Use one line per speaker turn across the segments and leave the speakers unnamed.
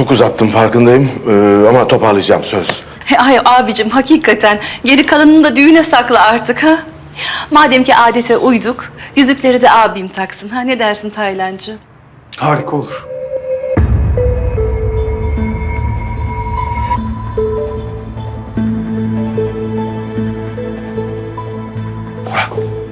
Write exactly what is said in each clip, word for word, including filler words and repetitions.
çok uzattım farkındayım ee, ama toparlayacağım söz.
Ay abicim hakikaten geri kalanını da düğüne sakla artık ha. Madem ki adete uyduk, yüzükleri de abim taksın ha. Ne dersin Taylancı?
Harika olur.
Bora.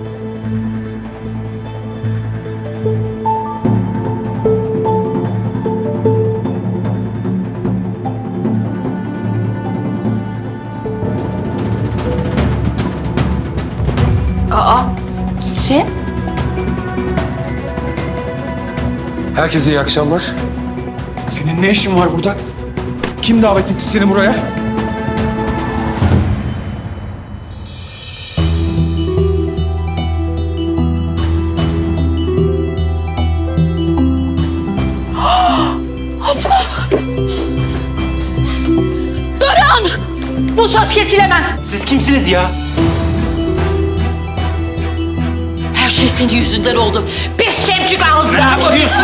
Aa, şey?
Herkese iyi akşamlar. Senin ne işin var burada? Kim davet etti seni buraya?
Bu söz kesilemez.
Siz kimsiniz ya?
Her şey senin yüzünden oldu. Pis çemçük ağızlı.
Ne yapıyorsun?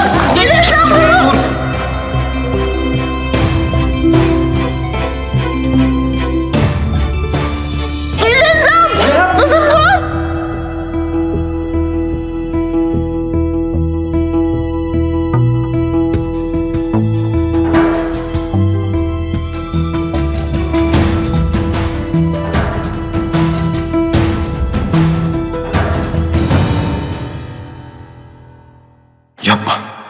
Yapma.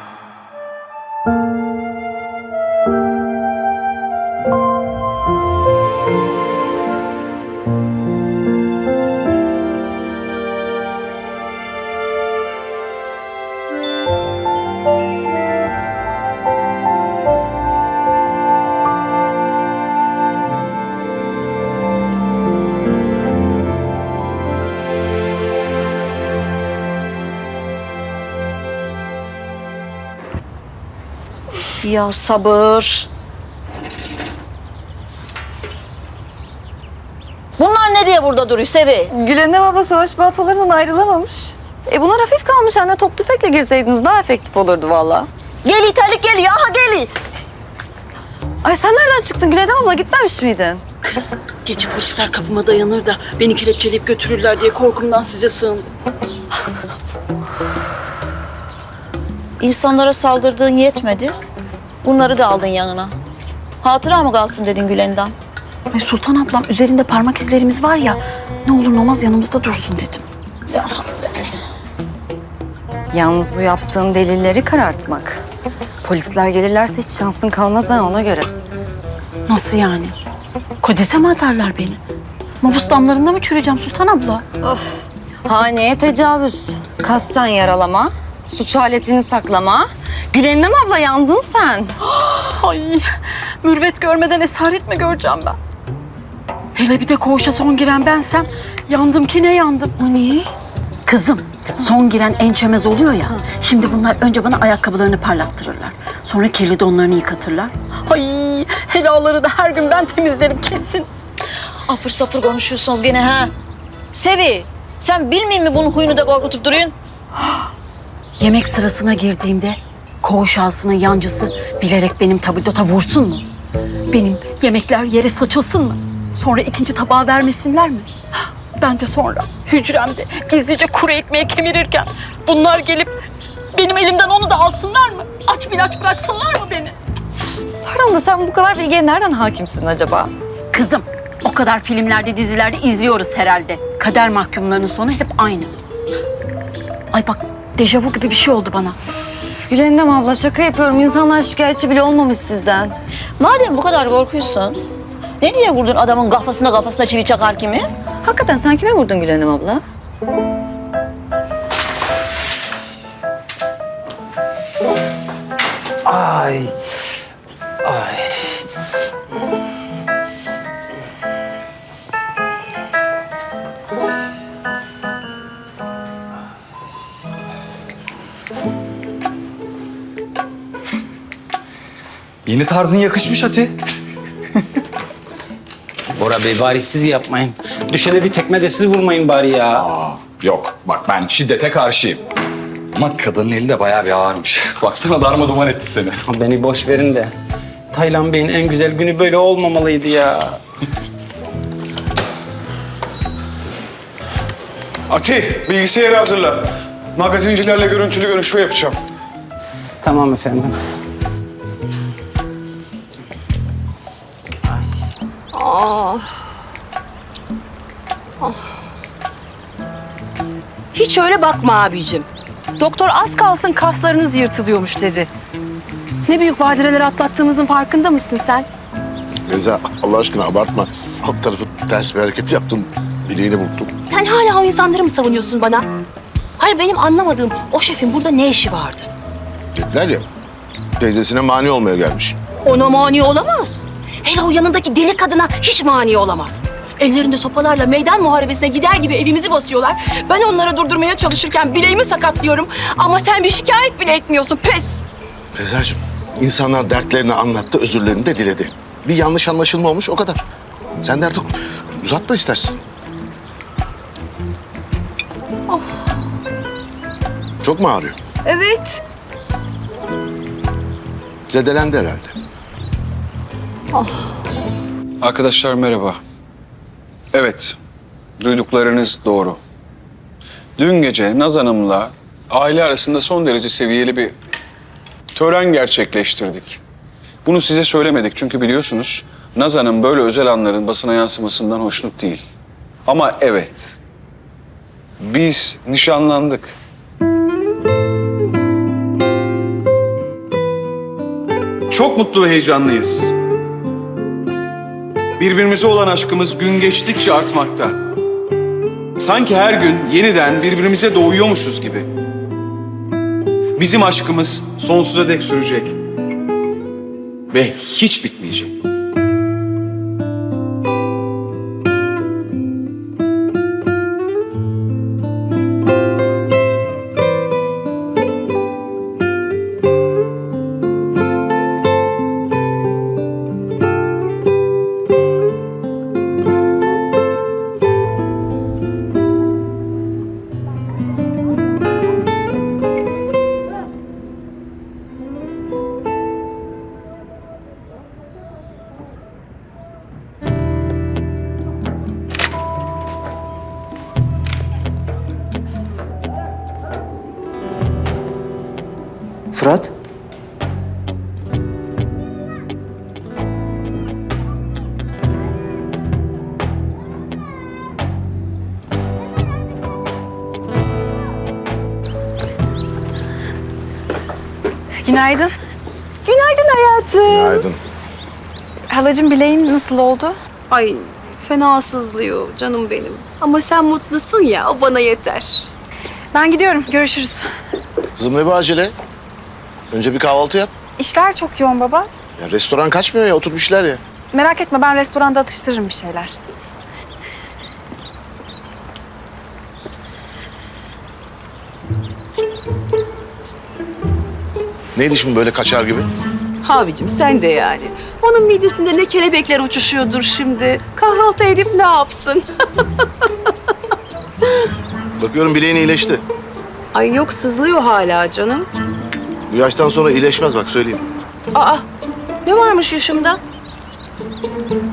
Ya sabır. Bunlar ne diye burada duruyor Sevi?
Gülen'e baba savaş baltalarından ayrılamamış. E buna hafif kalmış anne. Top tüfekle girseydiniz daha efektif olurdu valla.
Gel iterlik gel ya ha gel.
Ay sen nereden çıktın Gülen abla, gitmemiş miydin?
Kız, gece polisler kapıma dayanır da beni kelepçeleyip götürürler diye korkumdan size sığındım.
İnsanlara saldırdığın yetmedi. Bunları da aldın yanına. Hatıra mı kalsın dedin Gülen'den?
Ay Sultan ablam üzerinde parmak izlerimiz var ya, ne olur ne olmaz yanımızda dursun dedim.
Yalnız bu yaptığın delilleri karartmak. Polisler gelirlerse hiç şansın kalmaz ha, ona göre.
Nasıl yani? Kodese mi atarlar beni? Mabus damlarında mı çürüyeceğim Sultan abla?
Haneye tecavüz, kasten yaralama, suç aletini saklama. Gülen'im abla yandın sen.
Ay, mürvet görmeden esaret mi göreceğim ben? Hele bir de koğuşa son giren bensem, yandım ki ne yandım.
O niye?
Kızım, son giren en çömez oluyor ya. Şimdi bunlar önce bana ayakkabılarını parlattırırlar. Sonra kirli donlarını yıkatırlar. Ay, helaları da her gün ben temizlerim kesin.
Apır sapır konuşuyorsunuz gene ha. Sevi, sen bilmiyor mi bunun huyunu da korkutup duruyorsun?
Yemek sırasına girdiğimde koğuş ağasının yancısı bilerek benim tabildota vursun mu? Benim yemekler yere saçılsın mı? Sonra ikinci tabağı vermesinler mi? Ben de sonra hücremde gizlice kuru ekmeği kemirirken bunlar gelip benim elimden onu da alsınlar mı? Aç bir aç bıraksınlar mı beni?
Pardon da sen bu kadar bilgiye nereden hakimsin acaba?
Kızım, o kadar filmlerde, dizilerde izliyoruz herhalde. Kader mahkumlarının sonu hep aynı. Ay bak, dejavu gibi bir şey oldu bana.
Gülen'im abla şaka yapıyorum. İnsanlar şikayetçi bile olmamış sizden.
Madem bu kadar korkuyorsun, ne diye vurdun adamın kafasına kafasına çivi çakar kimi?
Hakikaten sen kime vurdun Gülen'im abla?
Ay. Ay.
Yeni tarzın yakışmış Ati.
Bora Bey bari siz yapmayın. Düşene bir tekme de siz vurmayın bari ya.
Aa, yok bak ben şiddete karşıyım. Ama kadının eli de bayağı bir ağırmış. Baksana darma duman etti seni.
Beni boş verin de. Taylan Bey'in en güzel günü böyle olmamalıydı ya.
Ati, bilgisayarı hazırla. Magazincilerle görüntülü görüşme yapacağım.
Tamam efendim.
Hiç öyle bakma abicim. Doktor az kalsın kaslarınız yırtılıyormuş dedi. Ne büyük badireler atlattığımızın farkında mısın sen?
Beyza Allah aşkına abartma. Alt tarafı ters bir hareket yaptım. Bileğini burktum.
Sen hala o insanları mı savunuyorsun bana? Hayır, benim anlamadığım o şefin burada ne işi vardı?
Dediler ya. Teyzesine mani olmaya gelmiş.
Ona mani olamaz. Hele o yanındaki deli kadına hiç mani olamaz. Ellerinde sopalarla meydan muharebesine gider gibi evimizi basıyorlar. Ben onları durdurmaya çalışırken bileğimi sakatlıyorum. Ama sen bir şikayet bile etmiyorsun. Pes!
Beyza'cığım insanlar dertlerini anlattı, özürlerini de diledi. Bir yanlış anlaşılma olmuş o kadar. Sen de artık uzatma istersin. Çok mu ağrıyor?
Evet.
Zedelendi herhalde.
Arkadaşlar merhaba. Evet, duyduklarınız doğru. Dün gece Naz Hanım'la aile arasında son derece seviyeli bir tören gerçekleştirdik. Bunu size söylemedik çünkü biliyorsunuz Naz Hanım böyle özel anların basına yansımasından hoşnut değil. Ama evet, biz nişanlandık. Çok mutlu ve heyecanlıyız. Birbirimize olan aşkımız gün geçtikçe artmakta. Sanki her gün yeniden birbirimize doğuyormuşuz gibi. Bizim aşkımız sonsuza dek sürecek. Ve hiç bitmeyecek.
Fırat?
Günaydın.
Günaydın hayatım.
Günaydın.
Halacığım, bileğin nasıl oldu?
Ay, fena sızlıyor canım benim. Ama sen mutlusun ya, o bana yeter.
Ben gidiyorum. Görüşürüz.
Kızım ne bu acele? Önce bir kahvaltı yap.
İşler çok yoğun baba.
Ya restoran kaçmıyor ya, otur bir şeyler ya.
Merak etme, ben restoranda atıştırırım bir şeyler.
Neydi şimdi böyle kaçar gibi?
Abicim sen de yani. Onun midesinde ne kelebekler uçuşuyordur şimdi. Kahvaltı edip ne yapsın?
Bakıyorum bileğin iyileşti.
Ay yok, sızlıyor hala canım.
Bu yaştan sonra iyileşmez bak söyleyeyim.
Aa, ne varmış yaşımda?